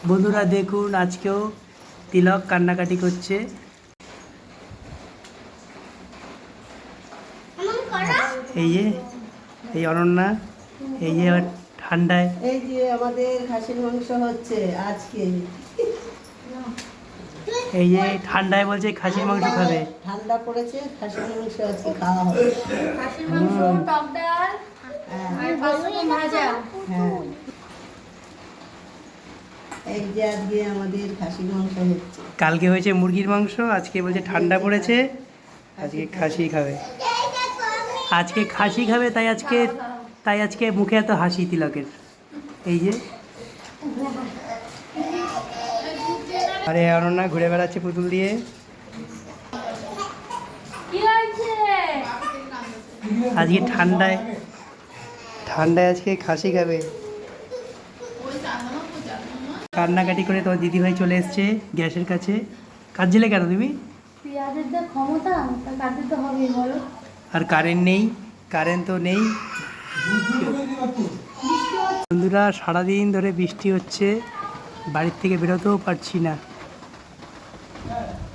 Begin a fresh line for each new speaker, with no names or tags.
বন্ধুরা দেখুন, আজকেও তিলক কান্নাকাটি করছে। এই যে এই অনন্যা, এই যে ঠান্ডায়,
এই যে আমাদের খাসির মাংস হচ্ছে আজকে।
এই যে ঠান্ডায় বলছে খাসির মাংস খাবে।
ঠান্ডা পড়েছে, খাসির মাংস আজকে খাওয়া হবে।
খাসির মাংস, টক ডাল আর 500 গ্রাম ভাজা।
হ্যাঁ, এই যে আজকে আমাদের খাসির মাংস হচ্ছে।
কালকে হয়েছে মুরগির মাংস, আজকে বলছে ঠান্ডা পড়েছে, আজকে খাসি খাবে। আজকে খাসি খাবে, তাই আজকে মুখে এত হাসি তিলকের। এই যে আরে অনন্যা ঘুরে বেড়াচ্ছে পুতুল দিয়ে।
কি হয়েছে?
আজকে ঠান্ডায় আজকে খাসি খাবে। কান্নাকাটি করে তোমার দিদিভাই চলে এসছে গ্যাসের কাছে। কাঁদছিলে কেন তুমি?
পেঁয়াজের যা ক্ষমতা, তা কাটতে তো হবেই বলো।
আর কারেন্ট তো নেই। বন্ধুরা, সারাদিন ধরে বৃষ্টি হচ্ছে, বাড়ির থেকে বেরোতেও পারছি না।